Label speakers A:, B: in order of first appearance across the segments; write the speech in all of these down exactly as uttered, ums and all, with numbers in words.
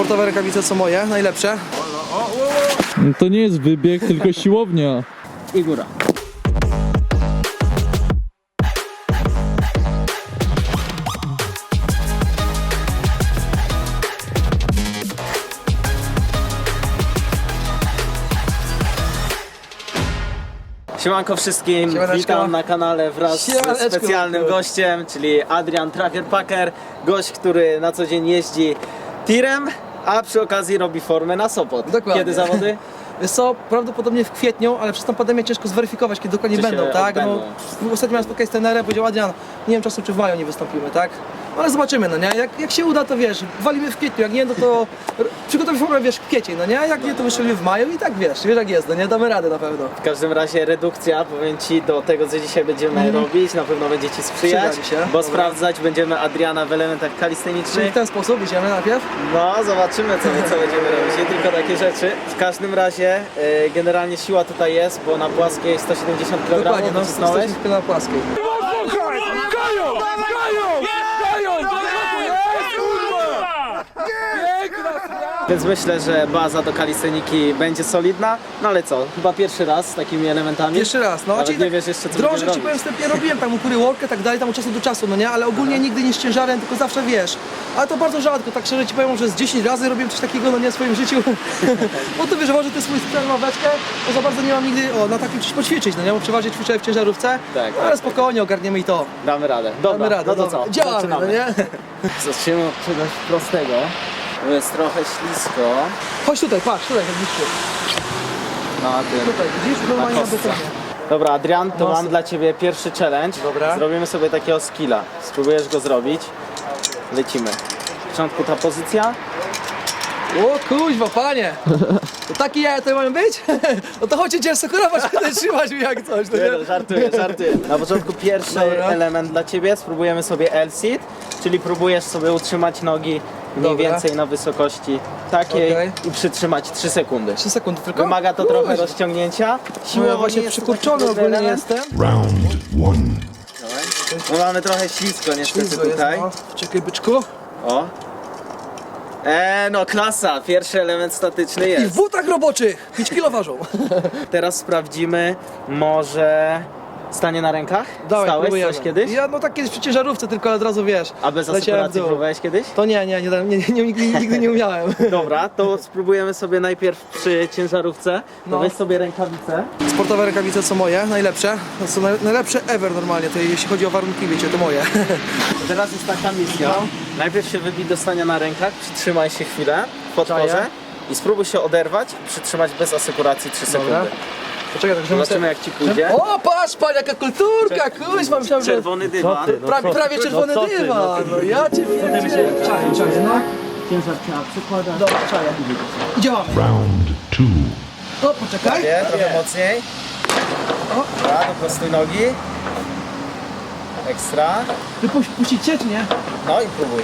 A: Sportowe rękawice są moje, najlepsze.
B: No to nie jest wybieg, tylko siłownia.
C: I góra. Siemanko wszystkim,
A: Siemaneczko.
C: witam na kanale wraz
A: Siemaneczko.
C: ze specjalnym gościem, czyli Adrian Tracker Packer, gość, który na co dzień jeździ tirem, a przy okazji robi formę na Sopot.
A: Dokładnie.
C: Kiedy zawody?
A: Wiesz co, prawdopodobnie w kwietniu, ale przez tą pandemię ciężko zweryfikować, kiedy dokładnie
C: Czy się
A: będą, tak?
C: odbędą.
A: No, ostatnio miałem spotkać z trenerem, powiedział Adrian, nie wiem czasem czy w maju nie wystąpimy, tak? No, ale zobaczymy, no nie? Jak, jak się uda, to wiesz, walimy w kwietniu, jak nie, no to r- przygotować formę, wiesz, w kwiecień, no nie? Jak nie, to wyszli w maju i tak wiesz, wiesz jak jest, no nie? Damy radę na pewno.
C: W każdym razie redukcja, powiem Ci, do tego co dzisiaj będziemy robić, na pewno będzie Ci sprzyjać,
A: Przyda mi się.
C: bo
A: Dobra.
C: sprawdzać będziemy Adriana w elementach
A: Czyli
C: kalistenicznych.
A: w ten sposób idziemy najpierw?
C: No, zobaczymy co, co będziemy robić, nie tylko takie rzeczy. W każdym razie y, generalnie siła tutaj jest, bo na płaskiej sto siedemdziesiąt kilogramów
A: Dokładnie, no,
C: nacisnąłeś.
A: jesteśmy na płaskiej.
C: Więc myślę, że baza do kalisteniki będzie solidna, no ale co, chyba pierwszy raz z takimi elementami?
A: Pierwszy raz, no.
C: Nawet
A: Czyli
C: nie
A: tak
C: wiesz jeszcze co
A: drążek
C: będziemy
A: ci powiem
C: robić.
A: wstępnie robiłem, tam ukury workę i tak dalej, tam od czasu do czasu, no nie? Ale ogólnie nigdy nie z ciężarem, tylko zawsze wiesz. Ale to bardzo rzadko, tak szczerze ci powiem, że z dziesięć razy robiłem coś takiego, no nie w swoim życiu. Bo to wiesz, że to jest swój sprzęt, ławeczkę, to za bardzo nie mam nigdy, o, na takim czymś poćwiczyć, no nie? Bo przeważnie ćwiczę w ciężarówce,
C: Tak,
A: no, ale
C: tak,
A: spokojnie ogarniemy i to.
C: Damy radę. Dobra,
A: Damy radę,
C: no to
A: dobra.
C: co?
A: Działamy,
C: Zaczynamy.
A: no nie?
C: Zaczniemy od czegoś prostego. To jest trochę ślisko.
A: Chodź tutaj, patrz, tutaj, tak bliżej.
C: Na tym.
A: Tutaj, widzisz? Normalnie na
C: kostce.
A: betonie.
C: Dobra, Adrian, to
A: No,
C: mam
A: super.
C: dla Ciebie pierwszy challenge.
A: Dobra.
C: Zrobimy sobie takiego skilla. Spróbujesz go zrobić. Lecimy. W początku ta pozycja.
A: O kuźwa, panie! To taki ja to mają być? No to chodźcie cię sukurować, będę trzymać mi jak coś, no
C: Nie,
A: nie?
C: no, żartuję, żartuję. Na początku pierwszy
A: Dobra.
C: element dla Ciebie. Spróbujemy sobie L-sit, czyli próbujesz sobie utrzymać nogi mniej
A: Dobra.
C: więcej na wysokości takiej
A: Okej.
C: i przytrzymać trzy sekundy.
A: trzy sekundy tylko?
C: Wymaga to trochę
A: Kuźwa.
C: rozciągnięcia.
A: No ja
C: Siłowo
A: właśnie
C: nie jest to
A: przykurczony
C: taki trudny
A: ogólnie
C: element.
A: jestem.
D: Round one.
C: No mamy trochę ślisko niestety
A: Ślizgo jest,
C: tutaj.
A: no. Czekaj, byczku.
C: O. Eee, no klasa, pierwszy element statyczny
A: I w
C: jest.
A: butach roboczych! pięć kilo ważą.
C: Teraz sprawdzimy może stanie na rękach?
A: Dawaj,
C: Stałeś
A: próbujemy.
C: coś kiedyś?
A: Ja no tak kiedyś przy ciężarówce, tylko od razu wiesz.
C: A bez
A: leciałem w
C: asekuracji
A: dół.
C: próbowałeś kiedyś?
A: To nie, nie, nie, nie, nie, nigdy, nigdy nie umiałem.
C: Dobra, to spróbujemy sobie najpierw przy ciężarówce. To
A: No.
C: weź sobie rękawice.
A: Sportowe rękawice są moje, najlepsze. To są naj- najlepsze ever normalnie, to jeśli chodzi o warunki, wiecie, to moje.
C: Teraz jest taka misja.
A: No.
C: Najpierw się wybij do stania na rękach, przytrzymaj się chwilę w podporze
A: Czaję.
C: i spróbuj się oderwać i przytrzymać bez asekuracji trzy sekundy.
A: Poczekaj, tak, żebym
C: Zobaczymy jak Ci pójdzie.
A: O, patrz, pan, jaka kulturka, kuźwa, myślałem, że...
C: Czerwony dywan.
A: Pra, prawie czerwony
C: no co ty,
A: dywan, no ja cię wiem. Czaję, czaję, no.
C: Ciężar trzeba przykładać.
A: Dobra, czaję. I działamy.
D: Round two.
A: O, poczekaj.
C: Nie, trochę mocniej.
A: O.
C: Dobra, doprostuj nogi. Ekstra.
A: Ty puś- puścić cię, czy nie?
C: No i próbuj.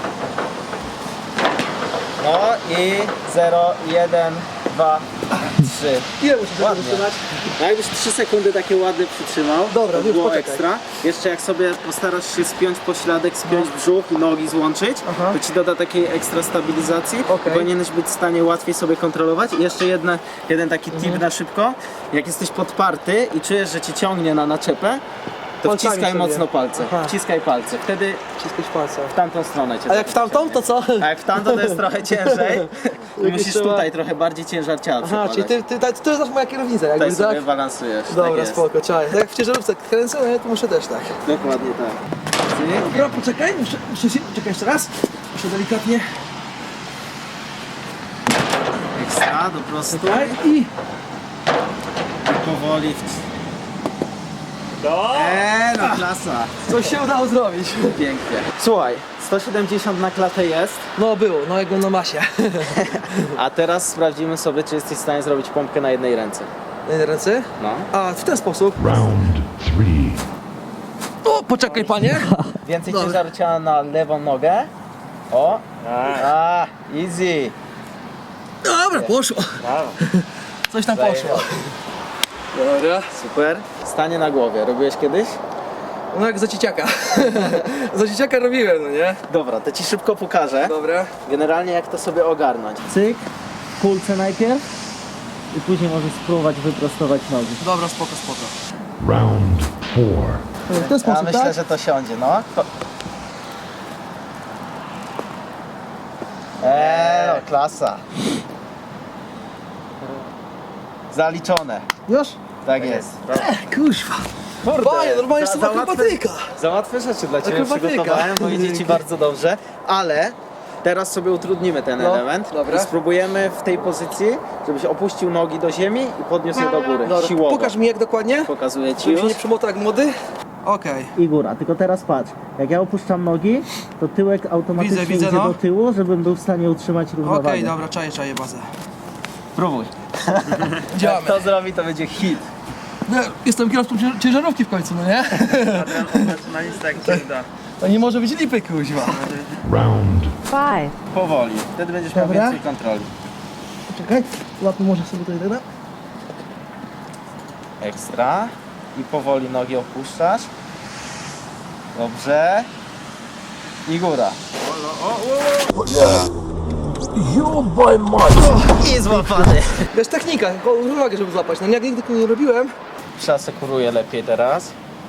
C: No i zero, jeden, dwa, trzy.
A: Ile muszę tego
C: Ładnie.
A: wytrzymać?
C: No jakbyś trzy sekundy takie ładne przytrzymał,
A: Dobra,
C: to
A: już
C: było
A: poczekaj.
C: ekstra. Jeszcze jak sobie postarasz się spiąć pośladek, spiąć brzuch i nogi złączyć,
A: Aha.
C: to Ci doda takiej ekstra stabilizacji.
A: Okej.
C: I powinieneś być w stanie łatwiej sobie kontrolować. I jeszcze jedna, jeden taki tip
A: Mhm.
C: na szybko. Jak jesteś podparty i czujesz, że Cię ciągnie na naczepę, to
A: Palcami
C: wciskaj
A: sobie.
C: mocno palce.
A: Aha.
C: Wciskaj palce. Wtedy
A: Wciskać palce.
C: w tamtą stronę Cię
A: A jak w tamtą, to co?
C: A jak w tamtą to jest trochę ciężej. I musisz
A: trzeba-
C: tutaj trochę bardziej ciężar ciała
A: Aha,
C: przekładać.
A: czyli ty, ty, ty, to jest zawsze moja kierownica, jakby,
C: Tutaj sobie
A: tak?
C: balansujesz.
A: Dobra,
C: tak jest.
A: spoko, czaję. Tak jak w ciężarówce kręcę, no ja to muszę też tak.
C: Dokładnie tak.
A: Dobra, poczekaj, muszę, muszę się, czekaj jeszcze raz. Muszę delikatnie.
C: Ekstra, do prostu.
A: Czekaj i...
C: Powoli. W... Eee, no klasa.
A: Coś się udało zrobić.
C: Pięknie. Słuchaj, sto siedemdziesiąt na klatę jest,
A: No było, no jakby na masie.
C: a teraz sprawdzimy sobie, czy jesteś w stanie zrobić pompkę na jednej ręce.
A: Na jednej ręce?
C: No.
A: A, w ten sposób.
D: Round three.
A: O, poczekaj panie.
C: Więcej
A: Dobra.
C: ciężaru ciała na lewą nogę. O. A, easy.
A: Dobra, poszło. Coś tam poszło. Dobra.
C: Super. Stanie na głowie. Robiłeś kiedyś?
A: No jak za dzieciaka. Za dzieciaka robiłem, no nie?
C: Dobra, to ci szybko pokażę.
A: Dobra.
C: Generalnie jak to sobie ogarnąć. Cyk, w kulce najpierw i później możesz spróbować wyprostować nogi.
A: Dobra, spoko, spoko.
D: Round four.
A: W ten
C: Ja
A: sposób,
C: myślę,
A: tak?
C: że to siądzie, no. Eee, no, klasa. Zaliczone.
A: Już?
C: Tak jest.
A: Kuźwa.
C: Kurde,
A: Panie, normalnie
C: za-
A: są
C: za łatwe-
A: akrobatyka.
C: Za łatwe rzeczy dla Ciebie
A: Akrobatyka.
C: przygotowałem, bo idzie Ci bardzo dobrze, ale teraz sobie utrudnimy ten
A: No,
C: element
A: dobra.
C: i spróbujemy w tej pozycji, żebyś opuścił nogi do ziemi i podniósł je do góry,
A: Dobra,
C: siłowo.
A: pokaż mi jak dokładnie.
C: Pokazuję Ci
A: Żebym się
C: już.
A: nie przymotał jak młody. Okej.
C: I góra, tylko teraz patrz, jak ja opuszczam nogi, to tyłek automatycznie
A: Widzę, widzę,
C: idzie
A: no.
C: do tyłu, żebym był w stanie utrzymać
A: Okej,
C: równowagę.
A: dobra, czaję, czaję bazę.
C: Próbuj.
A: Działamy.
C: Jak to zrobi, to będzie hit.
A: No, jestem kierowcą cię- ciężarówki w końcu, no nie?
C: Na listę jak Ci uda.
A: To nie może być lipy, kuźwa.
D: Round
E: Five.
C: Powoli, wtedy będziesz miał
A: Dobra.
C: więcej kontroli.
A: Czekaj, łapy może sobie tutaj dodam.
C: Ekstra. I powoli nogi opuszczasz. Dobrze. I góra. I złapany.
A: Wiesz, technika, tylko uwagę, żeby złapać. No jak nigdy tego nie robiłem.
C: Przasekuruję lepiej teraz.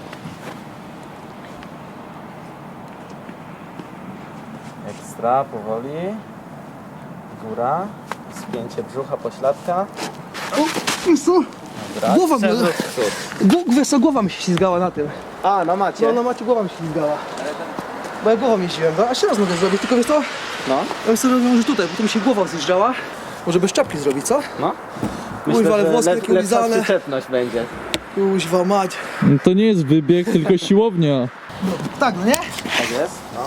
C: Ekstra, powoli. Góra. Spięcie brzucha, pośladka.
A: O, wiesz co?
C: Dobra.
A: Głowa mnie-
C: Przewrót w przód.
A: Gł- Wiesz co, głowa mi się ślizgała na tym.
C: A, no macie.
A: No na macie głowa mi się ślizgała. Bo ja głową jeździłem, no, a jeszcze raz mogę zrobić, tylko wiesz co?
C: No,
A: Ja bym sobie robił może tutaj, bo tu mi się głowa zjeżdżała. Może bez czapki zrobić, co?
C: no.
A: Kuźwa, ale
C: że
A: włosy
C: lep-
A: takie
C: lepsza
A: ulizane.
C: przyczepność będzie.
A: Kuźwa mać.
B: No to nie jest wybieg, tylko siłownia.
A: Tak, no nie?
C: Tak jest, no.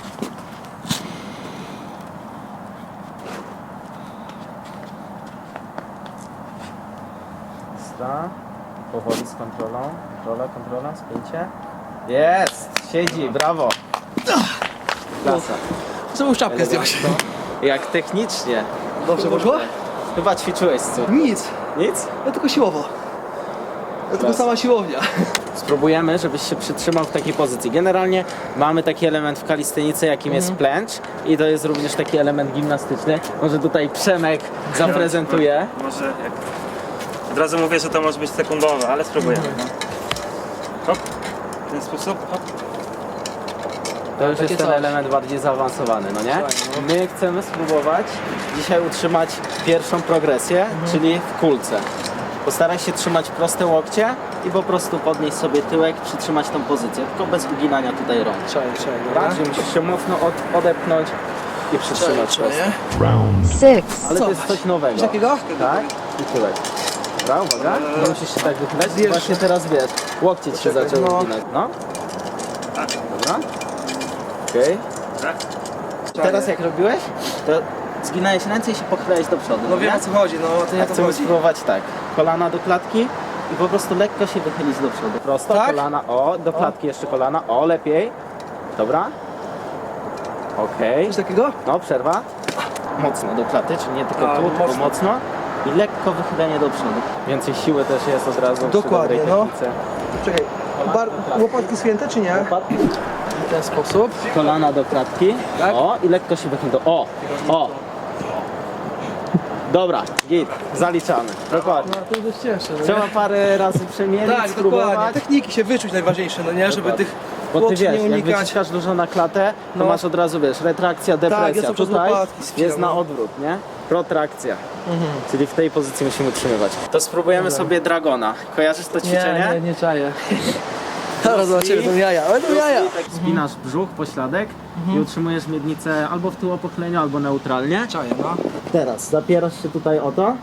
C: Ekstra. Powoli z kontrolą. Kontrola, kontrola, spięcie. Jest! Siedzi, brawo! Klasa.
A: Trzeba już czapkę zdjąć.
C: Jak technicznie.
A: Dobrze poszło?
C: Chyba ćwiczyłeś co?
A: Nic.
C: Nic?
A: Ja tylko siłowo. Ja tylko
C: Klas.
A: sama siłownia.
C: Spróbujemy, żebyś się przytrzymał w takiej pozycji. Generalnie mamy taki element w kalistenice, jakim jest plęcz i to jest również taki element gimnastyczny. Może tutaj Przemek zaprezentuje.
F: Może jak... Od razu mówię, że to może być sekundowe, ale spróbujemy. No. Hop, w ten sposób, hop.
C: To już
A: Takie
C: jest ten
A: coś.
C: element bardziej zaawansowany, no nie? My chcemy spróbować dzisiaj utrzymać pierwszą progresję, czyli w kulce. Postaraj się trzymać proste łokcie i po prostu podnieść sobie tyłek, przytrzymać tą pozycję, tylko bez uginania tutaj rąk.
A: Czaję, czaję,
C: Tak? Że musisz się mocno od, odepchnąć i przytrzymać prosto.
A: Czaję.
D: round
E: Six.
C: Ale
A: Co?
C: to jest coś nowego.
A: Coś takiego?
C: Tak? I tyłek. Dobra, uwaga. Nie musisz się tak wychylać.
A: Wiesz.
C: Właśnie teraz wiesz. Łokcie ci się
A: Poczekaj,
C: zaczęły
A: no.
C: uginać. No. Dobra. Okej.
F: Tak?
C: Teraz jak robiłeś, to zginałeś ręce i się pochylałeś do przodu.
A: No
C: nie?
A: wiem o co chodzi, no to nie
C: A
A: o to
C: chcemy
A: chodzi.
C: spróbować tak. Kolana do klatki i po prostu lekko się wychylić do przodu. Prosto,
A: Tak?
C: kolana, o, do klatki jeszcze kolana, o, lepiej. Dobra. Okej.
A: Coś takiego?
C: No, przerwa. Mocno do klaty, czyli nie tylko
A: A,
C: tu, tylko
A: mocno.
C: mocno. I lekko wychylenie do przodu. Więcej siły też jest od razu przy
A: Dokładnie,
C: dobrej
A: no.
C: technice.
A: Czekaj, bar, łopatki święte czy nie?
C: Łopatki.
A: W ten sposób.
C: Kolana do klatki.
A: Tak?
C: O, i lekko się wychyl do... O, o. Dobra, git, zaliczamy. Dokładnie.
A: No to jest cięższe, no nie?
C: Trzeba parę razy przemielić,
A: Tak,
C: spróbować.
A: dokładnie. Techniki się wyczuć najważniejsze, no nie? Żeby
C: Dokładnie.
A: tych
C: Bo ty
A: łokci
C: wiesz,
A: nie
C: jak
A: unikać.
C: wyciskasz dużo na klatę, to
A: No.
C: masz od razu, wiesz, retrakcja, depresja.
A: ja cały czas
C: Tutaj
A: łopatki spinam,
C: jest na
A: no.
C: odwrót, nie? Protrakcja. Czyli w tej pozycji musimy utrzymywać. To spróbujemy sobie dragona. Kojarzysz to ćwiczenie?
A: Nie, nie, nie czaję. Teraz zobaczymy, to jaja, ale to jaja.
C: Tak spinasz brzuch, pośladek i utrzymujesz miednicę albo w tyłopochyleniu, albo neutralnie.
A: Czaję, no.
C: Teraz zapierasz się tutaj o to.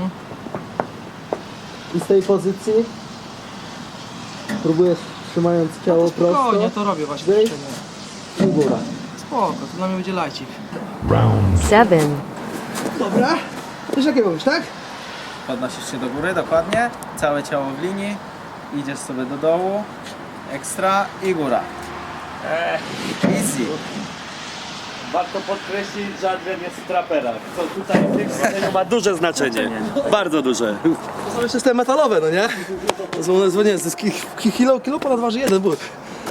C: I z tej pozycji próbujesz, trzymając ciało prosto,
A: Spokojnie, to robię właśnie
C: Wyjść.
A: ćwiczenie.
C: i góra.
A: Spoko, to dla mnie będzie lajcik.
D: round
E: Seven.
A: Dobra. Też jakie mówisz, tak?
C: Podnosisz się do góry, dokładnie. Całe ciało w linii. Idziesz sobie do dołu. Ekstra i góra. Easy.
F: Warto podkreślić, że Adrian jest w traperach, co tutaj w tym zdarzeniu ma duże znaczenie. Bardzo duże.
A: To są jeszcze te metalowe, no nie? To są one, nie, to jest ki- ki- kilo, kilo ponad waży jeden but.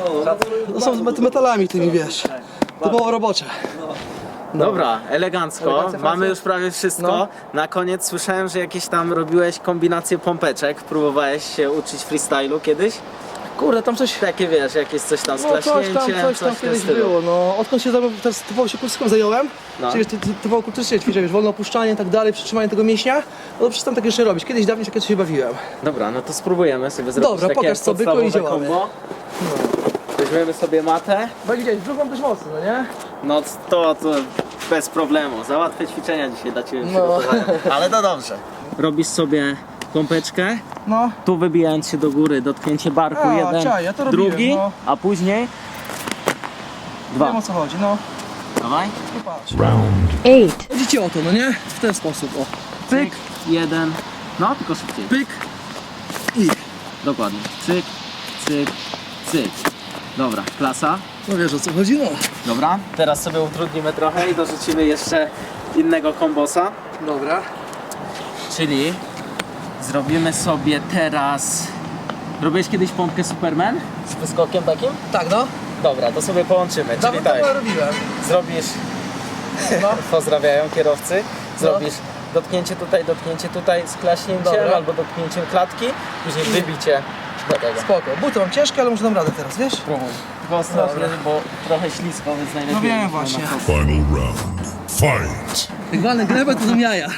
A: To są z met- metalami tymi, wiesz. Typowo robocze.
C: Dobra, elegancko.
A: Elegancja,
C: Mamy
A: Francja?
C: już prawie wszystko.
A: No.
C: Na koniec słyszałem, że jakieś tam robiłeś kombinacje pompeczek. Próbowałeś się uczyć freestylu kiedyś?
A: Kurde, tam coś...
C: Takie wiesz, jakieś coś tam z
A: No coś tam,
C: klaśnięciem,
A: coś tam
C: w tym
A: kiedyś
C: stylu.
A: było, no. Odkąd się zajmowałem, teraz typowo się kulturystyką zająłem,
C: No.
A: czyli ty- ty- typowo kulturystycznie ćwiczę, wiesz, wolne opuszczanie i tak dalej, przytrzymanie tego mięśnia, no to przestałem tak jeszcze robić. Kiedyś dawniej się kiedyś się bawiłem.
C: Dobra, no to spróbujemy sobie zrobić
A: Dobra,
C: takie
A: pokaż co, byku,
C: podstawowe
A: i działamy.
C: kombo. Weźmiemy sobie matę.
A: Bo jak widziałeś, brzuch mam dość mocny, no nie?
C: No to, to bez problemu. Za łatwe ćwiczenia dzisiaj dla Ciebie
A: No.
C: przygotowałem. Ale to dobrze. Robisz sobie pompeczkę.
A: No.
C: Tu wybijając się do góry, dotknięcie barku,
A: A,
C: jeden,
A: czaj, ja to robiłem,
C: drugi,
A: no.
C: a później dwa.
A: Wiem o co chodzi, no.
C: Dawaj.
A: I patrz.
D: round,
E: eight,
A: Chodzi ci o to, no nie? W ten sposób, o. Pyk,
C: jeden. No, tylko szybciej.
A: pyk i...
C: Dokładnie. Cyk, cyk, cyk. Dobra, klasa.
A: No wiesz o co chodzi, no.
C: Dobra. Teraz sobie utrudnimy trochę i dorzucimy jeszcze innego kombosa.
A: Dobra.
C: Czyli zrobimy sobie teraz... Robiłeś kiedyś pompkę Superman? Z wyskokiem takim?
A: Tak, no.
C: Dobra, to sobie połączymy. Czyli
A: Dawno
C: tak,
A: temu robiłem.
C: zrobisz...
A: No.
C: Pozdrawiają kierowcy. Zrobisz dotknięcie tutaj, dotknięcie tutaj z klaśnięciem
A: Dobra.
C: albo dotknięciem klatki, później wybicie do tego.
A: Spoko. Buty mam ciężkie, ale może dam radę teraz, wiesz?
C: Spróbuj. Tylko ostrożnie, bo trochę ślisko, więc najlepiej...
A: No wiem
C: na
A: właśnie.
C: prosto.
D: final round, fight!
A: Jak walnę glebę, to dam jaja.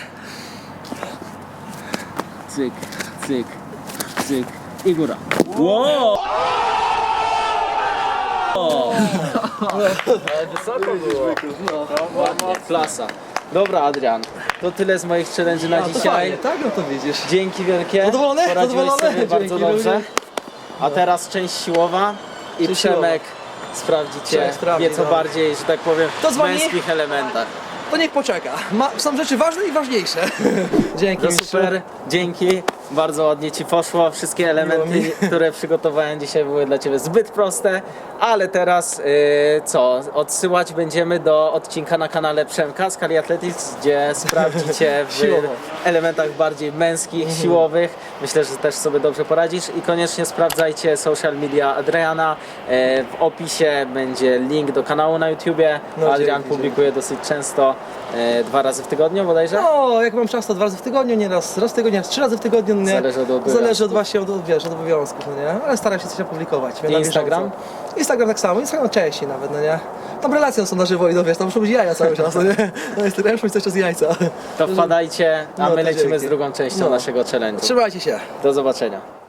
C: Cyk, cyk, cyk i góra. Wow! Wysoko było. Ładnie, klasa. Dobra, Adrian, to tyle z moich challenge na
A: A, to
C: dzisiaj.
A: fajnie, tak? No to widzisz.
C: Dzięki wielkie.
A: Zadowolony?
C: Poradziłeś
A: Zadowolony?
C: sobie bardzo
A: Dzięki,
C: dobrze.
A: również.
C: A teraz część siłowa i
A: Część
C: Przemek sprawdzi Cię
A: Przemek sprawdzi,
C: nieco
A: dobra.
C: bardziej, że tak powiem,
A: To
C: w
A: dzwoni?
C: męskich elementach.
A: To niech poczeka. Ma, są rzeczy ważne i ważniejsze. Dzięki,
C: No
A: mistrzu.
C: super, dzięki. Bardzo ładnie Ci poszło. Wszystkie elementy, które przygotowałem dzisiaj, były dla Ciebie zbyt proste, ale teraz yy, co? Odsyłać będziemy do odcinka na kanale Przemka z Kali Athletics, gdzie sprawdzicie w
A: Siłowo.
C: elementach bardziej męskich, siłowych. Myślę, że też sobie dobrze poradzisz i koniecznie sprawdzajcie social media Adriana. Yy, w opisie będzie link do kanału na YouTubie.
A: No,
C: Adrian
A: dzięki,
C: publikuje dosyć często, yy, dwa razy w tygodniu bodajże.
A: No, jak mam czas, to dwa razy w tygodniu, nie raz, raz w tygodniu, raz trzy razy w tygodniu, no nie?
C: Zależy od obowiązków.
A: Zależy od właśnie, od, wiesz, od obowiązków, no nie? Ale staram się coś opublikować.
C: I
A: na
C: Instagram?
A: bieżąco. Instagram tak samo, Instagram częściej nawet, no nie? Tam relacje są na żywo i no wiesz, tam muszą być jaja cały czas, no nie? No Instagram muszą być cały czas jajca.
C: To wpadajcie, a
A: No,
C: my
A: to
C: lecimy
A: dzięki.
C: z drugą częścią
A: No.
C: naszego challenge'u.
A: Trzymajcie się.
C: Do zobaczenia.